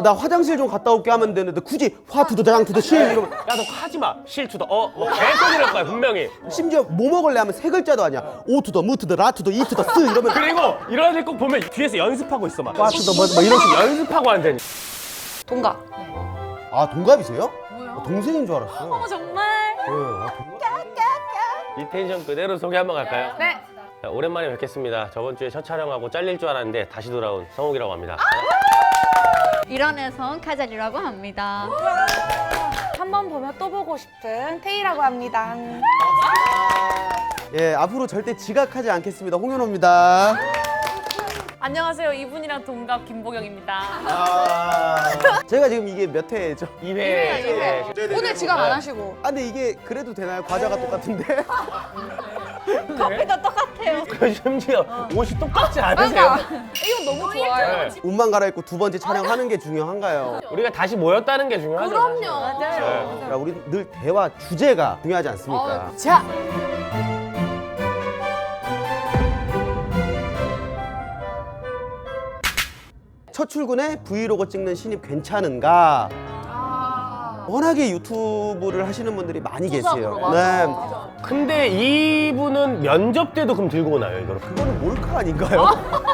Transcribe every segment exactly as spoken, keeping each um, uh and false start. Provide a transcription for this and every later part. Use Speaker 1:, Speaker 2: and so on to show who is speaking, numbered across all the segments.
Speaker 1: 나 화장실 좀 갔다 올게 하면 되는데 굳이 화 투더 장 투더 실 이러면
Speaker 2: 야 너 하지 마. 실 투더 어? 뭐 계속 이럴 거야 분명히.
Speaker 1: 심지어 뭐 먹을래 하면 세 글자도 아니야. 오 투더 무 투더 라 투더 이 투더 스 이러면
Speaker 2: 그리고 이런 애 꼭 보면 뒤에서 연습하고 있어 막.
Speaker 1: 화 투더 뭐, 뭐 이런 식으로.
Speaker 2: 연습하고 한다니.
Speaker 3: 동갑.
Speaker 1: 아 동갑이세요?
Speaker 4: 뭐요?
Speaker 1: 아, 동생인 줄 알았어요.
Speaker 4: 어머 정말?
Speaker 1: 네, 아, 동갑?
Speaker 2: 이 텐션 그대로 소개 한번 갈까요?
Speaker 4: 네.
Speaker 2: 자, 오랜만에 뵙겠습니다. 저번 주에 첫 촬영하고 잘릴 줄 알았는데 다시 돌아온 성욱이라고 합니다.
Speaker 4: 일원에선 카자리라고 합니다.
Speaker 3: 한 번 보면 또 보고 싶은 태희라고 합니다.
Speaker 1: 예, 앞으로 절대 지각하지 않겠습니다. 홍현호입니다.
Speaker 4: 안녕하세요. 이분이랑 동갑 김보경입니다.
Speaker 1: 제가 지금 이게 몇 회죠?
Speaker 2: 이 회.
Speaker 4: 이 회.
Speaker 3: 오늘 지각 안 하시고.
Speaker 1: 아 근데 이게 그래도 되나요? 과자가 똑같은데?
Speaker 4: 커피도 똑같아요.
Speaker 2: 그 심지어 옷이 똑같지 않으세요?
Speaker 3: 이거 너무 좋아요.
Speaker 2: 네.
Speaker 1: 옷만 갈아입고 두 번째 촬영하는 게 중요한가요?
Speaker 2: 우리가 다시 모였다는 게 중요하죠. 사실.
Speaker 4: 맞아요.
Speaker 1: 그러니까 우리 늘 대화 주제가 중요하지 않습니까?
Speaker 4: 자,
Speaker 1: 첫 출근에 브이로그 찍는 신입 괜찮은가? 워낙에 유튜브를 하시는 분들이 많이 계세요. 네.
Speaker 2: 근데 이분은 면접 때도 그럼 들고 오나요 이거를?
Speaker 1: 그거는 몰카 아닌가요?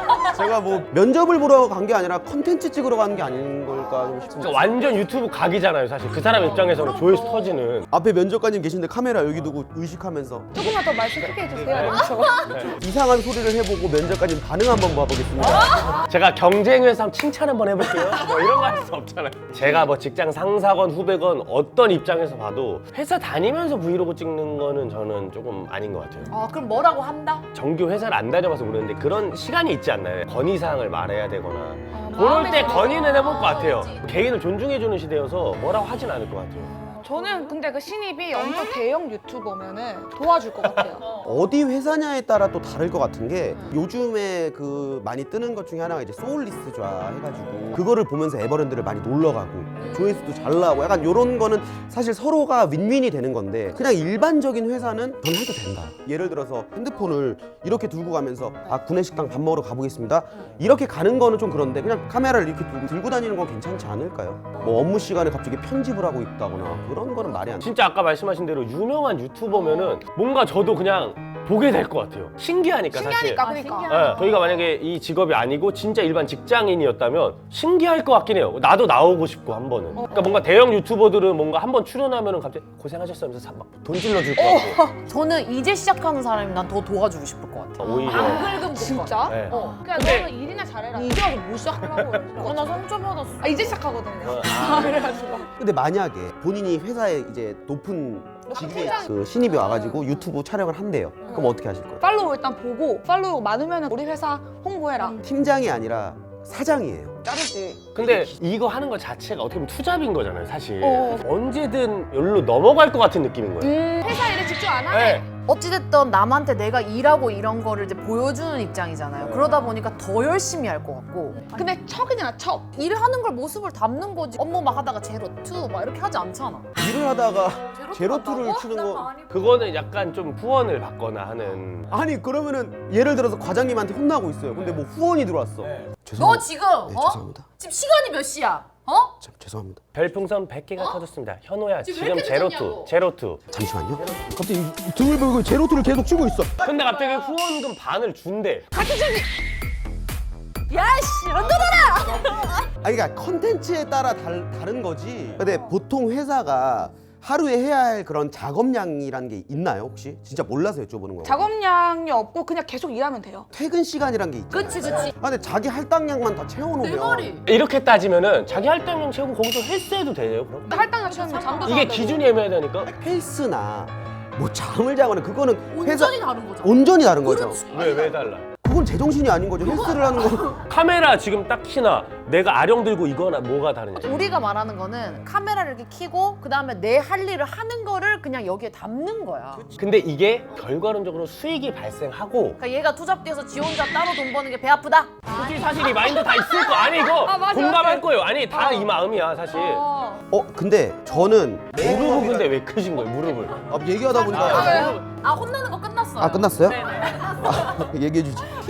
Speaker 1: 제가 뭐 면접을 보러 간 게 아니라 컨텐츠 찍으러 가는 게 아닌 걸까 좀 싶은데.
Speaker 2: 그러니까 완전 유튜브 각이잖아요 사실. 그 사람 입장에서는 조회수 터지는.
Speaker 1: 앞에 면접관님 계신데 카메라 여기 두고 의식하면서
Speaker 3: 조금만 더 말씀 크게 해주세요. 너무 좋아.
Speaker 1: 이상한 소리를 해보고 면접관님 반응 한번 봐보겠습니다.
Speaker 2: 제가 경쟁회사 한번 칭찬 한번 해볼게요. 뭐 이런 거 할 수 없잖아요. 제가 뭐 직장 상사건 후배건 어떤 입장에서 봐도 회사 다니면서 브이로그 찍는 거는 저는 조금 아닌 것 같아요.
Speaker 4: 아, 그럼 뭐라고 한다?
Speaker 2: 정규 회사를 안 다녀봐서 모르는데 그런 시간이 있지 않나요? 건의사항을 말해야 되거나
Speaker 4: 아,
Speaker 2: 그럴 때 건의는 해볼 것 같아요. 개인을 존중해주는 시대여서 뭐라고 하진 않을 것 같아요.
Speaker 3: 저는 근데 그 신입이 엄청 대형 유튜버면은 도와줄 것 같아요.
Speaker 1: 어디 회사냐에 따라 또 다를 것 같은 게 요즘에 그 많이 뜨는 것 중에 하나가 이제 소울리스트좌 해가지고 그거를 보면서 에버랜드를 많이 놀러 가고 조회수도 잘 나오고 약간 요런 거는 사실 서로가 윈윈이 되는 건데 그냥 일반적인 회사는 전 해도 된다. 예를 들어서 핸드폰을 이렇게 들고 가면서 아 구내식당 밥 먹으러 가보겠습니다. 이렇게 가는 거는 좀 그런데 그냥 카메라를 이렇게 들고, 들고 다니는 건 괜찮지 않을까요? 뭐 업무 시간에 갑자기 편집을 하고 있다거나 그런 거는 말이 안 돼.
Speaker 2: 진짜 아까 말씀하신 대로 유명한 유튜버면은 뭔가 저도 그냥 보게 될 것 같아요. 신기하니까,
Speaker 3: 신기하니까
Speaker 2: 사실.
Speaker 3: 그러니까.
Speaker 2: 네, 저희가 만약에 이 직업이 아니고 진짜 일반 직장인이었다면 신기할 것 같긴 해요. 나도 나오고 싶고 한 번은. 그러니까 뭔가 대형 유튜버들은 뭔가 한 번 출연하면은 갑자기 고생하셨어요 하면서 막 돈 질러줄 것 같고.
Speaker 4: 저는 이제 시작하는 사람이 난 더 도와주고 싶을 것 같아.
Speaker 2: 오히려.
Speaker 4: 긁으면
Speaker 3: 진짜?
Speaker 2: 네.
Speaker 3: 어. 그냥
Speaker 2: 근데-
Speaker 3: 너는 일이나 잘해라. 이제 와서 뭐 시작하려고.
Speaker 4: 어, 나 상처 받았어.
Speaker 3: 아 이제 시작하거든요.
Speaker 2: 어,
Speaker 3: 아, 그래가지고.
Speaker 1: 근데 만약에 본인이 회사에 이제 높은 직위의 그 신입이 와가지고 유튜브 촬영을 한대요. 그럼 어떻게 하실 거예요?
Speaker 3: 팔로우 일단 보고 팔로우 많으면 우리 회사 홍보해라.
Speaker 1: 팀장이 아니라 사장이에요.
Speaker 3: 자르지.
Speaker 2: 근데 이거 하는 것 자체가 어떻게 보면 투잡인 거잖아요, 사실.
Speaker 3: 어.
Speaker 2: 언제든 여기로 넘어갈 것 같은 느낌인 거예요.
Speaker 3: 음, 회사 일에 집중 안 하네.
Speaker 2: 네.
Speaker 4: 어찌됐든 남한테 내가 일하고 이런 거를 이제 보여주는 입장이잖아요. 그러다 보니까 더 열심히 할 것 같고.
Speaker 3: 근데 척이잖아 척.
Speaker 4: 일하는 걸 모습을 담는 거지. 업무 막 하다가 제로 투 막 이렇게 하지 않잖아.
Speaker 1: 일을 하다가 제로투를 추는 거
Speaker 2: 그거는 약간 좀 후원을 받거나 하는.
Speaker 1: 아니 그러면은 예를 들어서 과장님한테 혼나고 있어요. 근데 뭐 후원이 들어왔어.
Speaker 4: 너
Speaker 1: 죄송합니다.
Speaker 4: 지금
Speaker 1: 네,
Speaker 4: 어?
Speaker 1: 죄송합니다.
Speaker 4: 지금 시간이 몇 시야? 어?
Speaker 1: 참, 죄송합니다.
Speaker 2: 별풍선 백 개가 터졌습니다. 현호야,
Speaker 4: 지금 왜
Speaker 2: 지금
Speaker 4: 이렇게
Speaker 2: 제로투,
Speaker 4: 늦었냐고.
Speaker 2: 제로투.
Speaker 1: 잠시만요. 갑자기 등을 보고 제로투를 계속 치고 있어.
Speaker 2: 근데 갑자기 후원금 반을 준대.
Speaker 4: 야씨, 런던아!
Speaker 1: 아니 그러니까 컨텐츠에 따라 달, 다른 거지. 근데 보통 회사가 하루에 해야 할 그런 작업량이라는 게 있나요 혹시? 진짜 몰라서 여쭤보는 거예요.
Speaker 3: 작업량이 없고 그냥 계속 일하면 돼요.
Speaker 1: 퇴근 시간이란 게 있잖아요.
Speaker 4: 그치 그치.
Speaker 1: 아, 근데 자기 할당량만 다
Speaker 4: 내
Speaker 1: 채워놓으면
Speaker 4: 머리.
Speaker 2: 이렇게 따지면은 자기 할당량 채우고 거기서 헬스해도 되네요, 그럼?
Speaker 3: 할당량 채우면 잠도
Speaker 2: 이게
Speaker 3: 자야 되고.
Speaker 2: 기준이 애매해야 되니까?
Speaker 1: 헬스나 뭐 잠을 자거나 그거는 회사
Speaker 4: 온전히 다른 거잖아.
Speaker 1: 온전히 다른 거죠.
Speaker 2: 왜, 왜 달라?
Speaker 1: 그건 제정신이 아닌 거죠. 헬스를 하는 거.
Speaker 2: 카메라 지금 딱 키나 내가 아령 들고 이거나 뭐가 다르냐?
Speaker 4: 우리가 말하는 거는 카메라를 이렇게 켜고 그 다음에 내 할 일을 하는 거를 그냥 여기에 담는 거야.
Speaker 2: 근데 이게 결과론적으로 수익이 발생하고
Speaker 4: 그러니까 얘가 투잡돼서 지 혼자 따로 돈 버는 게 배 아프다?
Speaker 2: 솔직히 사실 이 마인드 다 있을 거 아니 이거
Speaker 3: 아, 맞아,
Speaker 2: 공감할
Speaker 3: 맞아.
Speaker 2: 거예요. 아니 다 이 마음이야 사실.
Speaker 3: 어.
Speaker 1: 어 근데 저는
Speaker 2: 무릎을 근데 왜 크신 거예요 무릎을?
Speaker 1: 아, 얘기하다 보니까
Speaker 2: 아,
Speaker 4: 아 혼나는 거 끝났어요.
Speaker 1: 아 끝났어요?
Speaker 4: 네네.
Speaker 1: 아, 얘기해 주지.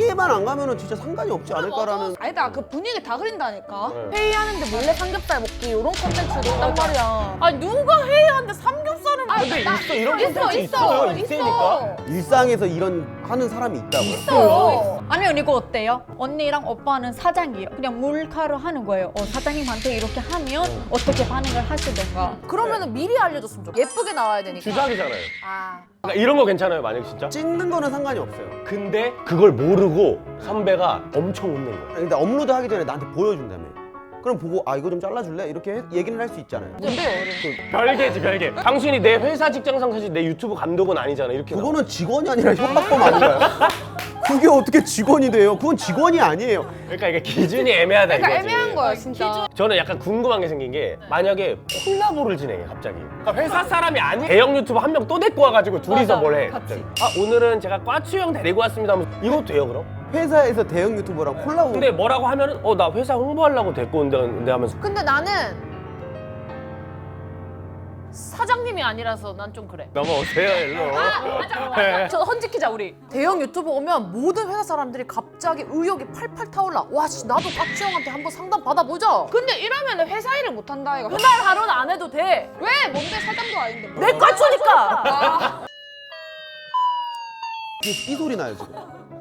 Speaker 1: 피해만 안 가면은 진짜 상관이 없지 않을까라는.
Speaker 3: 아니다, 그 분위기 다 그린다니까.
Speaker 2: 네.
Speaker 3: 회의하는데 몰래 삼겹살 먹기 이런 컨텐츠도 있단 말이야.
Speaker 4: 아니 누가 회의하는데 삼겹살을 먹
Speaker 2: 근데 있어 이런
Speaker 3: 있어,
Speaker 2: 콘텐츠
Speaker 3: 있어,
Speaker 2: 있어요.
Speaker 3: 있어.
Speaker 2: 있으니까.
Speaker 1: 일상에서 이런 하는 사람이 있다고.
Speaker 3: 있어.
Speaker 5: 아니면 이거 어때요? 언니랑 오빠는 사장이에요. 그냥 몰카로 하는 거예요. 어, 사장님한테 이렇게 하면 어떻게 반응을 하시던가.
Speaker 4: 그러면은 미리 알려줬으면 좋겠어. 예쁘게 나와야 되니까.
Speaker 2: 주작이잖아요.
Speaker 4: 아.
Speaker 2: 그러니까 이런 거 괜찮아요, 만약 진짜.
Speaker 1: 찍는 거는 상관이 없어요.
Speaker 2: 근데 그걸 모르고 선배가 엄청 웃는 거야.
Speaker 1: 근데 업로드 하기 전에 나한테 보여준다며. 그럼 보고 아 이거 좀 잘라줄래? 이렇게 해- 얘기는 할 수 있잖아요.
Speaker 2: 별개지 별개. 당신이 내 회사 직장상 사실 내 유튜브 감독은 아니잖아. 이렇게. 나와.
Speaker 1: 그거는 직원이 아니라 협박범 아닌가요? 그게 어떻게 직원이 돼요? 그건 직원이 아니에요.
Speaker 2: 그러니까 이게 기준이 애매하다
Speaker 3: 그러니까
Speaker 2: 이거지.
Speaker 3: 애매한 거야, 진짜.
Speaker 2: 저는 약간 궁금한 게 생긴 게 만약에 콜라보를 진행해 갑자기. 그러니까 회사 사람이 아닌 대형 유튜버 한 명 또 데리고 와가지고 둘이서 뭘 해. 갑자기. 아 오늘은 제가 꽈추 형 데리고 왔습니다 하면서 이것도 돼요 그럼?
Speaker 1: 회사에서 대형 유튜버랑 콜라보.
Speaker 2: 근데 뭐라고 하면은 어 나 회사 홍보하려고 데리고 온다는데 하면서
Speaker 4: 근데 나는 사장님이 아니라서 난 좀 그래.
Speaker 2: 넘어오세요 일로. 네.
Speaker 4: 저 헌지키자 우리. 대형 유튜브 오면 모든 회사 사람들이 갑자기 의욕이 팔팔 타올라. 와, 씨, 나도 깍지 형한테 한번 상담 받아보자.
Speaker 3: 근데 이러면 회사 일을 못 한다 이거.
Speaker 4: 그날 하루는 안 해도 돼.
Speaker 3: 왜? 뭔데 사장도 아닌데. 뭐.
Speaker 4: 내 꽈추니까.
Speaker 3: 아,
Speaker 1: 이 소리 나요 지금.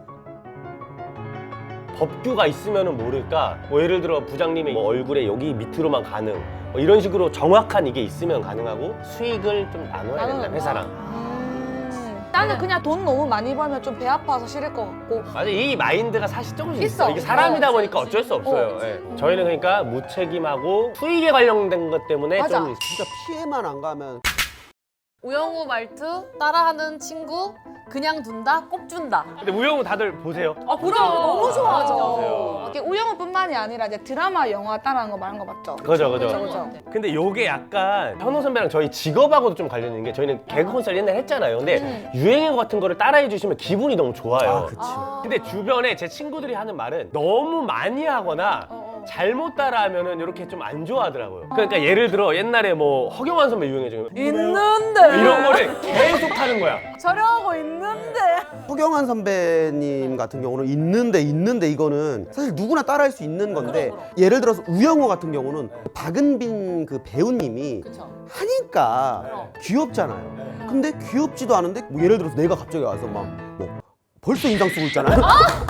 Speaker 2: 법규가 있으면은 모를까. 뭐 예를 들어 부장님의 뭐 얼굴에 여기 밑으로만 가능. 뭐 이런 식으로 정확한 이게 있으면 가능하고 수익을 좀 나눠야 된다
Speaker 3: 나눠야
Speaker 2: 회사랑.
Speaker 3: 음. 나는 그냥 돈 너무 많이 벌면 좀 배 아파서 싫을 것 같고.
Speaker 2: 맞아 이 마인드가 사실 조금씩 있어.
Speaker 3: 있어.
Speaker 2: 이게 사람이다
Speaker 3: 어,
Speaker 2: 보니까 어쩔 수 없어요.
Speaker 3: 어.
Speaker 2: 예. 저희는 그러니까 무책임하고 수익에 관련된 것 때문에
Speaker 3: 맞아.
Speaker 2: 좀
Speaker 1: 진짜 피해만 안 가면.
Speaker 4: 우영우 말투 따라하는 친구 그냥 둔다 꼽준다.
Speaker 2: 근데 우영우 다들 보세요.
Speaker 4: 아 그럼 너무 좋아하죠.
Speaker 2: 보세요.
Speaker 3: 이게 우영우뿐만이 아니라 이제 드라마, 영화 따라하는 거 말한 거 맞죠?
Speaker 2: 그죠 그죠.
Speaker 3: 그죠, 그죠.
Speaker 2: 근데 요게 약간 현호 선배랑 저희 직업하고도 좀 관련 있는 게 저희는 개그 콘서트 옛날에 했잖아요. 근데
Speaker 3: 음.
Speaker 2: 유행어 같은 거를 따라해 주시면 기분이 너무 좋아요.
Speaker 1: 아 그치.
Speaker 2: 근데 주변에 제 친구들이 하는 말은 너무 많이 하거나
Speaker 3: 어, 어.
Speaker 2: 잘못 따라하면은 이렇게 좀 안 좋아하더라고요. 그러니까 예를 들어 옛날에 뭐 허경환 선배 유행해지면
Speaker 4: 있는데
Speaker 2: 이런 거를 계속 하는 거야.
Speaker 4: 저렴하고 있는데.
Speaker 1: 허경환 선배님 같은 경우는 있는데 있는데 이거는 사실 누구나 따라할 수 있는 건데 예를 들어서 우영우 같은 경우는 박은빈 그 배우님이 하니까 귀엽잖아요. 근데 귀엽지도 않은데 뭐 예를 들어서 내가 갑자기 와서 막 뭐 벌써 인상 쓰고 있잖아요.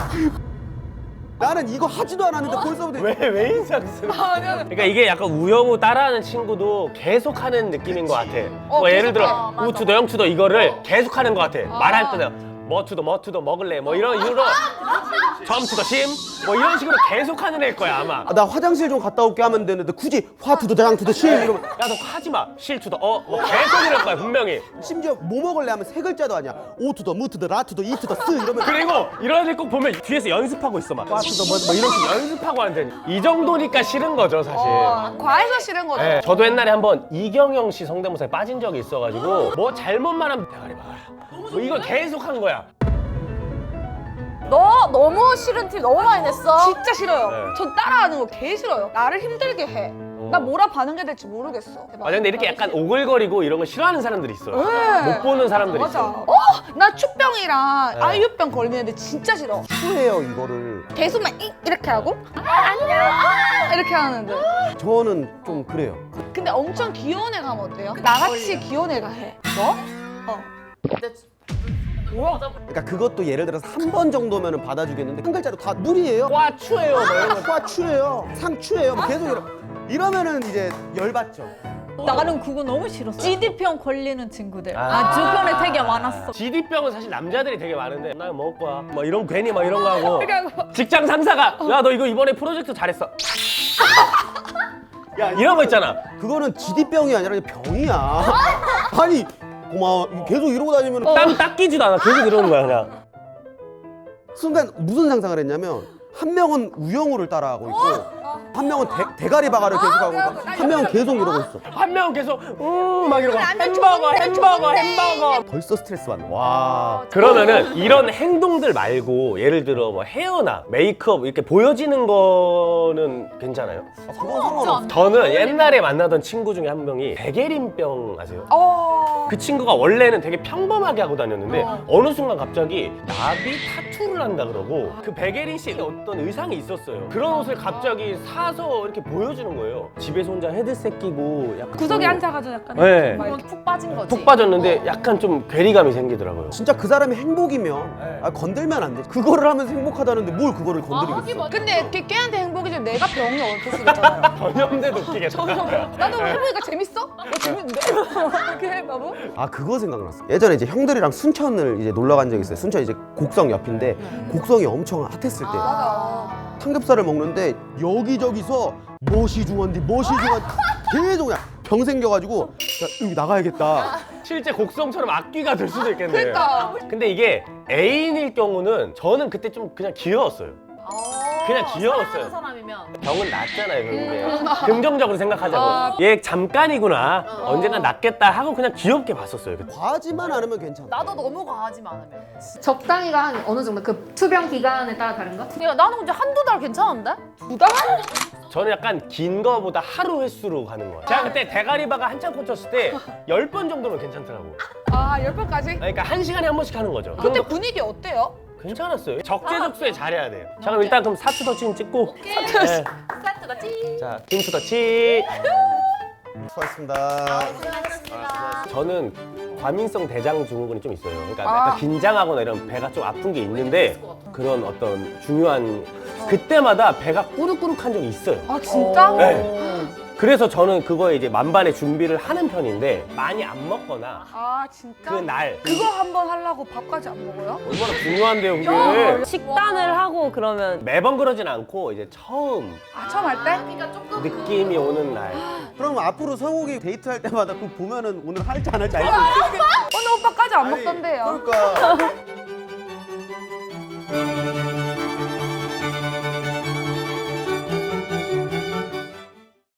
Speaker 1: 나는 이거 하지도 않았는데 벌써부터
Speaker 2: 왜 왜 인상 쓰는? 그러니까 이게 약간 우영우 따라하는 친구도 계속 하는 느낌인 것 같아.
Speaker 3: 어,
Speaker 2: 뭐 예를
Speaker 3: 계속 해.
Speaker 2: 들어 우투더 영투더 이거를 계속 하는 것 같아. 말할 때는 뭐투더 뭐투더 먹을래 뭐 이런 이유로 점투더 심뭐 이런 식으로 계속 하는 애일 거야 아마.
Speaker 1: 아, 나 화장실 좀 갔다 올게 하면 되는데 굳이 화투더 장투더 실 이러면
Speaker 2: 야 너 하지 마. 실투더 어뭐 계속 이럴 거야 분명히.
Speaker 1: 심지어 뭐 먹을래 하면 세 글자도 아니야. 오투더 무투더 라투더 이투더 스 이러면
Speaker 2: 그리고 이런 애꼭 보면 뒤에서 연습하고 있어 막. 와투더 뭐, 뭐 이런 식으로 연습하고 하는데 이 정도니까 싫은 거죠 사실.
Speaker 3: 어, 과해서 싫은 거죠.
Speaker 2: 네, 저도 옛날에 한번 이경영 씨 성대모사에 빠진 적이 있어가지고 뭐 잘못만 하면 대가리 박아라 뭐 이걸 계속 한 거야.
Speaker 4: 너 너무 싫은 티 너무 많이 냈어.
Speaker 3: 진짜 싫어요.
Speaker 2: 네.
Speaker 3: 전 따라하는 거 개 싫어요. 나를 힘들게 해. 나 뭐라 반응해야 될지 모르겠어.
Speaker 2: 맞아 근데 이렇게 약간 오글거리고 이런 거 싫어하는 사람들이 있어요.
Speaker 3: 네.
Speaker 2: 못 보는 사람들이
Speaker 3: 맞아.
Speaker 2: 있어요.
Speaker 3: 어? 나 추병이랑
Speaker 2: 네.
Speaker 3: 아유병 걸리는데 진짜 싫어.
Speaker 1: 후해요 이거를.
Speaker 3: 계속 막 이- 이렇게 하고 아, 안녕 아, 이렇게 하는데.
Speaker 1: 저는 좀 그래요.
Speaker 3: 근데 엄청 귀여운 애 가면 어때요? 나같이 귀여운 애가 해. 너? 어.
Speaker 4: 근데
Speaker 1: 그러니까 그것도 예를 들어서 한 번 정도면은 받아주겠는데 한 글자로 다 물이에요.
Speaker 2: 꽈추예요 뭐 이런 거.
Speaker 1: 과추예요. 상추예요. 뭐 계속 이러, 이러면은 이제 열받죠.
Speaker 5: 나는 그거 너무 싫었어. 지디병 걸리는 친구들.
Speaker 2: 아.
Speaker 5: 아, 주변에 되게 많았어.
Speaker 2: 지디병은 사실 남자들이 되게 많은데 나 먹을 거야 뭐 이런 괜히 막 이런 거 하고
Speaker 3: 이렇게 하고.
Speaker 2: 직장 상사가 야 너 이거 이번에 프로젝트 잘했어 야 이런 거 있잖아.
Speaker 1: 그거는 지디병이 아니라 그냥 병이야. 아니 고마워. 계속 이러고 다니면
Speaker 2: 땀 닦이지도 않아 계속 이러는 거야 그냥.
Speaker 1: 순간 무슨 상상을 했냐면 한 명은 우영우를 따라하고 있고 한 명은 대, 대가리 바가를 계속하고 있고 한 명은 계속 이러고 있어.
Speaker 2: 한 명은 계속 음막 이러고
Speaker 3: 나는
Speaker 2: 햄버거
Speaker 3: 좋은데,
Speaker 2: 햄버거
Speaker 3: 좋은데.
Speaker 2: 햄버거.
Speaker 1: 벌써 스트레스 받네. 와.
Speaker 2: 그러면은 이런 행동들 말고 예를 들어 뭐 헤어나 메이크업 이렇게 보여지는 거는 괜찮아요?
Speaker 1: 그건 상관없어.
Speaker 2: 저는 옛날에 만나던 친구 중에 한 명이 백예린병 아세요?
Speaker 3: 어.
Speaker 2: 그 친구가 원래는 되게 평범하게 하고 다녔는데
Speaker 3: 어.
Speaker 2: 어느 순간 갑자기 나비 타투를 한다 그러고 그 백예린 씨의 어떤 의상이 있었어요. 그런 옷을 갑자기 사서 이렇게 보여주는 거예요. 집에서 혼자 헤드셋 끼고 약간
Speaker 3: 구석에
Speaker 2: 좀-
Speaker 3: 앉아가지고 약간
Speaker 2: 네.
Speaker 3: 막
Speaker 4: 그건 푹 빠진 거지.
Speaker 2: 푹 빠졌는데 약간 좀 괴리감이 생기더라고요.
Speaker 1: 진짜 그 사람이 행복이면 아, 건들면 안 돼. 그거를 하면서 행복하다는데 뭘 그거를 건드리겠어.
Speaker 3: 근데 걔, 걔한테 행복이지 내가 병이 올 수도 있잖아요.
Speaker 2: 전염돼도 웃기겠다.
Speaker 3: 나도 해보니까 재밌어? 어, 재밌는데? 그래 나도?
Speaker 1: 아 그거 생각났어. 예전에 이제 형들이랑 순천을 이제 놀러 간 적이 있어요. 순천 이제 곡성 옆인데 곡성이 엄청 핫했을 때
Speaker 3: 맞아.
Speaker 1: 삼겹살을 먹는데 여기저기서 멋이 중한디 멋이 중한디 계속 그냥 병 생겨가지고 야, 여기 나가야겠다.
Speaker 2: 실제 곡성처럼 악귀가 될 수도 있겠네요.
Speaker 3: 그러니까.
Speaker 2: 근데 이게 애인일 경우는 저는 그때 좀 그냥 귀여웠어요. 그냥 귀여웠어요.
Speaker 4: 사랑하는 사람이면.
Speaker 2: 병은 낫잖아요, 결국에. 긍정적으로 생각하자고.
Speaker 3: 아.
Speaker 2: 얘 잠깐이구나. 언젠가 낫겠다 하고 그냥 귀엽게 봤었어요. 그때.
Speaker 1: 과하지만 않으면 괜찮아.
Speaker 4: 나도 너무 과하지만 않으면.
Speaker 6: 적당히가 한 어느 정도 그 투병 기간에 따라 다른가?
Speaker 4: 야, 나는 이제 한두 달 괜찮은데?
Speaker 3: 두 달?
Speaker 2: 저는 약간 긴 거보다 하루 횟수로 가는 거예요. 제가 그때 대가리바가 한참 꽂혔을 때 열 번 정도면 괜찮더라고.
Speaker 3: 아, 열 번까지?
Speaker 2: 그러니까 한 시간에 한 번씩 하는 거죠.
Speaker 3: 그때
Speaker 2: 그럼
Speaker 3: 분위기 어때요?
Speaker 2: 괜찮았어요. 적재적소에 잘해야 돼요. 자, 그럼 일단 그럼 사투 더치는 찍고. 네.
Speaker 4: 세트다 찌.
Speaker 2: 자, 김투 더치.
Speaker 1: 수고하셨습니다.
Speaker 2: 저는 과민성 대장 증후군이 좀 있어요. 그러니까
Speaker 3: 아.
Speaker 2: 약간 긴장하거나 이런 배가 좀 아픈 게 있는데 그런 어떤 중요한 그때마다 배가 꾸룩꾸룩한 적이 있어요.
Speaker 3: 아, 진짜?
Speaker 2: 네. 그래서 저는 그거에 이제 만반의 준비를 하는 편인데 많이 안 먹거나
Speaker 3: 아, 진짜?
Speaker 2: 그 날
Speaker 3: 그거 한 번 하려고 밥까지 안 먹어요?
Speaker 2: 얼마나 중요한데요, 그게.
Speaker 7: 식단을 하고 그러면
Speaker 2: 매번 그러진 않고 이제 처음
Speaker 3: 아, 처음 할 때?
Speaker 2: 느낌이 오는 날.
Speaker 1: 그럼 앞으로 성욱이 데이트할 때마다 그 보면은 오늘 할지 안 할지 알 수 있어.
Speaker 3: 오늘 오빠까지 안
Speaker 1: 아니,
Speaker 3: 먹던데요.
Speaker 1: 그러니까.